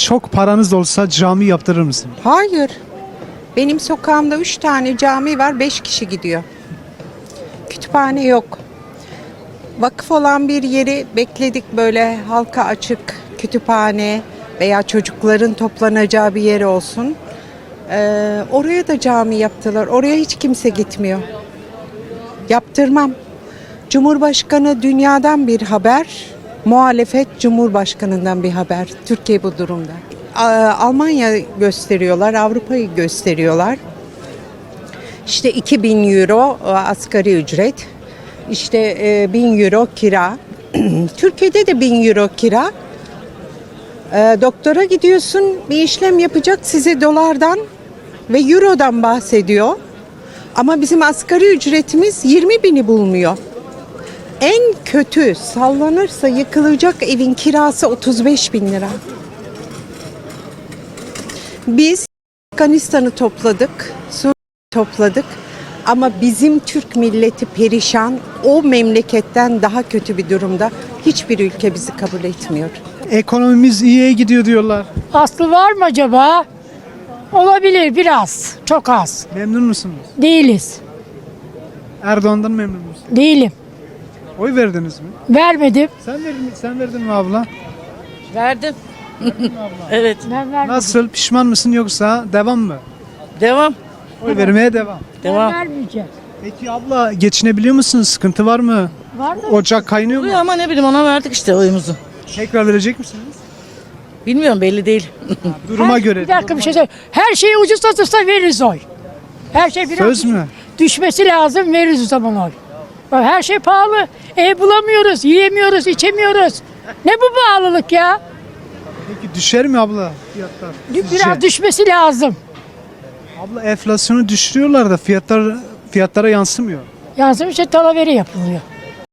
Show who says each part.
Speaker 1: çok paranız olsa cami yaptırır mısın?
Speaker 2: Hayır. Benim sokağımda 3 tane cami var, 5 kişi gidiyor. Kütüphane yok. Vakıf olan bir yeri bekledik, böyle halka açık kütüphane veya çocukların toplanacağı bir yer olsun. Oraya da cami yaptılar. Oraya hiç kimse gitmiyor. Yaptırmam. Cumhurbaşkanı dünyadan bir haber, muhalefet Cumhurbaşkanından bir haber. Türkiye bu durumda. Almanya gösteriyorlar, Avrupa'yı gösteriyorlar. İşte 2000 euro asgari ücret, işte 1000 euro kira. Türkiye'de de 1000 euro kira. Doktora gidiyorsun, bir işlem yapacak, size dolardan ve eurodan bahsediyor. Ama bizim asgari ücretimiz 20 bini bulmuyor. En kötü sallanırsa yıkılacak evin kirası 35 bin lira. Biz Afganistan'ı topladık, Suriye'yi topladık ama bizim Türk milleti perişan, o memleketten daha kötü bir durumda. Hiçbir ülke bizi kabul etmiyor.
Speaker 1: Ekonomimiz iyiye gidiyor diyorlar.
Speaker 3: Aslı var mı acaba? Olabilir biraz, çok az.
Speaker 1: Memnun musunuz?
Speaker 3: Değiliz,
Speaker 1: Erdoğan'dan memnun musun?
Speaker 3: değilim.
Speaker 1: Oy verdiniz mi?
Speaker 3: Vermedim.
Speaker 1: Sen verdin mi abla?
Speaker 4: Verdim. Evet.
Speaker 3: Ben vermedim.
Speaker 1: Nasıl? Pişman mısın yoksa devam mı?
Speaker 4: Devam.
Speaker 1: Oy vermeye devam.
Speaker 3: Ben
Speaker 4: Devam.
Speaker 3: vermeyeceğim.
Speaker 1: Peki abla geçinebiliyor musunuz? Sıkıntı var mı?
Speaker 3: Var mı?
Speaker 1: Ocak kaynıyor mu?
Speaker 4: Oluyor ama ne bileyim ona verdik işte oyumuzu.
Speaker 1: Tekrar verecek misiniz?
Speaker 4: Bilmiyorum belli değil.
Speaker 1: Duruma göre.
Speaker 3: Bir dakika bir şey söyle. Her şeyi ucuz satılsa veririz oy. Her şey biraz
Speaker 1: Söz mü?
Speaker 3: düşmesi lazım, veririz o zaman oy. Bak, her şey pahalı. Ev bulamıyoruz, yiyemiyoruz, içemiyoruz. Ne bu pahalılık ya?
Speaker 1: Peki düşer mi abla fiyatlar? Sizce?
Speaker 3: Biraz düşmesi lazım.
Speaker 1: Abla enflasyonu düşürüyorlar da fiyatlara yansımıyor.
Speaker 3: Yansımış talaveri yapılıyor.